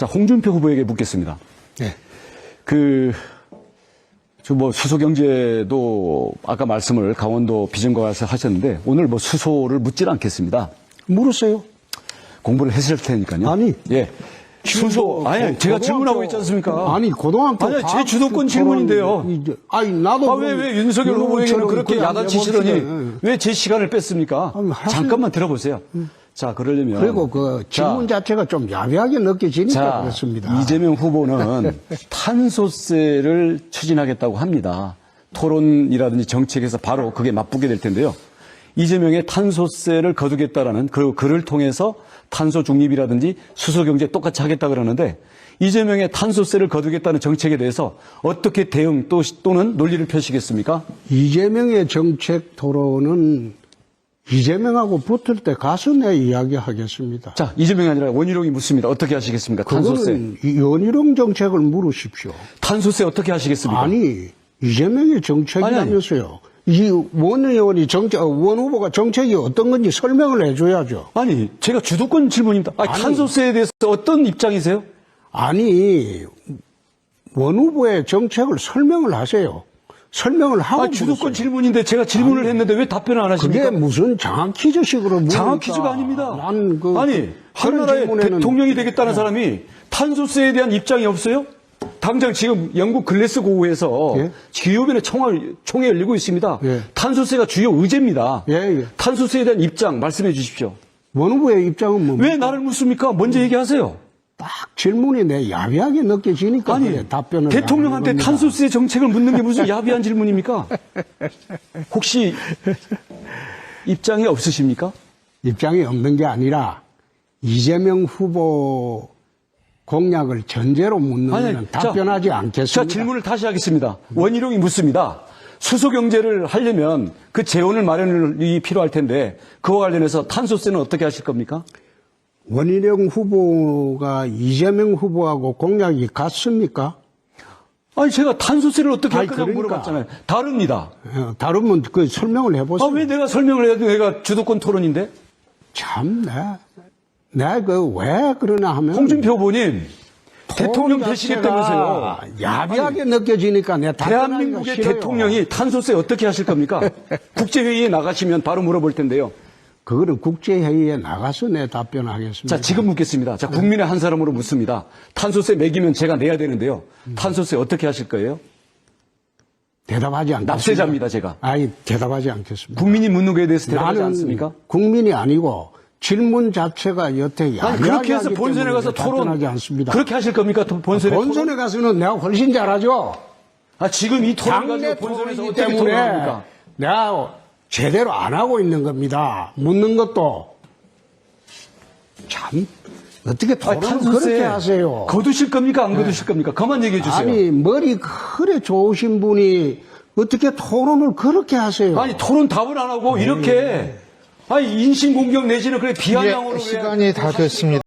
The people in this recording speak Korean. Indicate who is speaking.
Speaker 1: 자, 홍준표 후보에게 묻겠습니다.
Speaker 2: 네.
Speaker 1: 수소경제도 아까 말씀을 강원도 비전과 가서 하셨는데 오늘 수소를 묻질 않겠습니다.
Speaker 2: 물으세요.
Speaker 1: 공부를 했을 테니까요.
Speaker 2: 아니.
Speaker 1: 예. 수소, 아니, 제가 질문하고 있지 않습니까?
Speaker 2: 아니, 고등학교.
Speaker 1: 아니, 제 주도권 질문인데요.
Speaker 2: 아니, 나도.
Speaker 1: 왜 윤석열 후보에게는 그렇게 야단치시더니 왜 제 시간을 뺐습니까?
Speaker 2: 아니,
Speaker 1: 잠깐만 들어보세요. 자, 그러려면.
Speaker 2: 그리고 그 질문 자체가 좀 야비하게 느껴지니까 그렇습니다.
Speaker 1: 이재명 후보는 탄소세를 추진하겠다고 합니다. 토론이라든지 정책에서 바로 그게 맞붙게 될 텐데요. 이재명의 탄소세를 거두겠다라는 그 글을 통해서 탄소 중립이라든지 수소 경제 똑같이 하겠다 그러는데 이재명의 탄소세를 거두겠다는 정책에 대해서 어떻게 대응 또는 논리를 펴시겠습니까?
Speaker 2: 이재명의 정책 토론은 이재명하고 붙을 때 가서 내 이야기하겠습니다.
Speaker 1: 자, 이재명이 아니라 원희룡이 묻습니다. 어떻게 하시겠습니까? 탄소세.
Speaker 2: 그거는 원희룡 정책을 물으십시오.
Speaker 1: 탄소세 어떻게 하시겠습니까?
Speaker 2: 아니, 이재명의 정책이라면서요. 이 원 의원이 원 후보가 정책이 어떤 건지 설명을 해줘야죠.
Speaker 1: 아니, 제가 주도권 질문입니다. 아니, 탄소세에 대해서 어떤 입장이세요?
Speaker 2: 아니, 원 후보의 정책을 설명을 하세요. 설명을 하고.
Speaker 1: 아니, 주도권 질문인데 제가 질문을 했는데 왜 답변을 안 하십니까?
Speaker 2: 그게 무슨 장학 퀴즈식으로 물으니까.
Speaker 1: 장학 퀴즈가 아닙니다.
Speaker 2: 아니,
Speaker 1: 한나라의 대통령이 되겠다는 사람이 탄소세에 대한 입장이 없어요? 당장 지금 영국 글래스고우에서
Speaker 2: 예?
Speaker 1: 기후변의 총회 열리고 있습니다.
Speaker 2: 예.
Speaker 1: 탄소세가 주요 의제입니다.
Speaker 2: 예.
Speaker 1: 탄소세에 대한 입장 말씀해 주십시오.
Speaker 2: 원 후보의 입장은 뭡니까?
Speaker 1: 왜 나를 묻습니까? 먼저 얘기하세요.
Speaker 2: 딱 질문이 내 야비하게 느껴지니까
Speaker 1: 아니,
Speaker 2: 답변을
Speaker 1: 대통령한테 탄소세 정책을 묻는 게 무슨 야비한 질문입니까? 혹시 입장이 없으십니까?
Speaker 2: 입장이 없는 게 아니라 이재명 후보 공약을 전제로 묻는 것은 답변하지 않겠습니다.
Speaker 1: 자, 질문을 다시 하겠습니다. 원희룡이 묻습니다. 수소 경제를 하려면 그 재원을 마련이 필요할 텐데 그와 관련해서 탄소세는 어떻게 하실 겁니까?
Speaker 2: 원희룡 후보가 이재명 후보하고 공약이 같습니까?
Speaker 1: 아니, 제가 탄소세를 어떻게 할 거냐고
Speaker 2: 그러니까.
Speaker 1: 물어봤잖아요. 다릅니다.
Speaker 2: 다르면 그 설명을 해보세요.
Speaker 1: 왜 내가 설명을 해야 돼? 내가 주도권 토론인데?
Speaker 2: 참, 내가 왜 그러나 하면.
Speaker 1: 홍준표 후보님, 대통령 되시겠다면서요.
Speaker 2: 야비하게 느껴지니까 내가
Speaker 1: 대한민국의 대통령이 탄소세 어떻게 하실 겁니까? 국제회의에 나가시면 바로 물어볼 텐데요.
Speaker 2: 그거는 국제회의에 나가서 내 답변하겠습니다.
Speaker 1: 자, 지금 묻겠습니다. 자, 국민의 한 사람으로 묻습니다. 탄소세 매기면 제가 내야 되는데요. 탄소세 어떻게 하실 거예요?
Speaker 2: 대답하지 않겠습니다.
Speaker 1: 납세자입니다, 제가.
Speaker 2: 아니, 대답하지 않겠습니다.
Speaker 1: 국민이 묻는 거에 대해서 대답하지
Speaker 2: 나는
Speaker 1: 않습니까?
Speaker 2: 국민이 아니고 질문 자체가 여태 야비하게
Speaker 1: 그렇게 해서 본선에 가서
Speaker 2: 답변하지 않습니다.
Speaker 1: 그렇게 하실 겁니까? 본선에
Speaker 2: 본선에 가서는 내가 훨씬 잘하죠.
Speaker 1: 지금 이 토론
Speaker 2: 당내
Speaker 1: 가지고 본선에서
Speaker 2: 토론이기
Speaker 1: 어떻게
Speaker 2: 때문에
Speaker 1: 토론합니까?
Speaker 2: 내가 제대로 안 하고 있는 겁니다. 묻는 것도 참 어떻게 토론을 그렇게 하세요?
Speaker 1: 거두실 겁니까? 안 거두실 겁니까? 그만 얘기해 주세요.
Speaker 2: 아니, 머리 그래 좋으신 분이 어떻게 토론을 그렇게 하세요?
Speaker 1: 아니, 토론 답을 안 하고 이렇게 인신공격 내지는 그래 비아냥으로
Speaker 3: 시간이 다 됐습니다.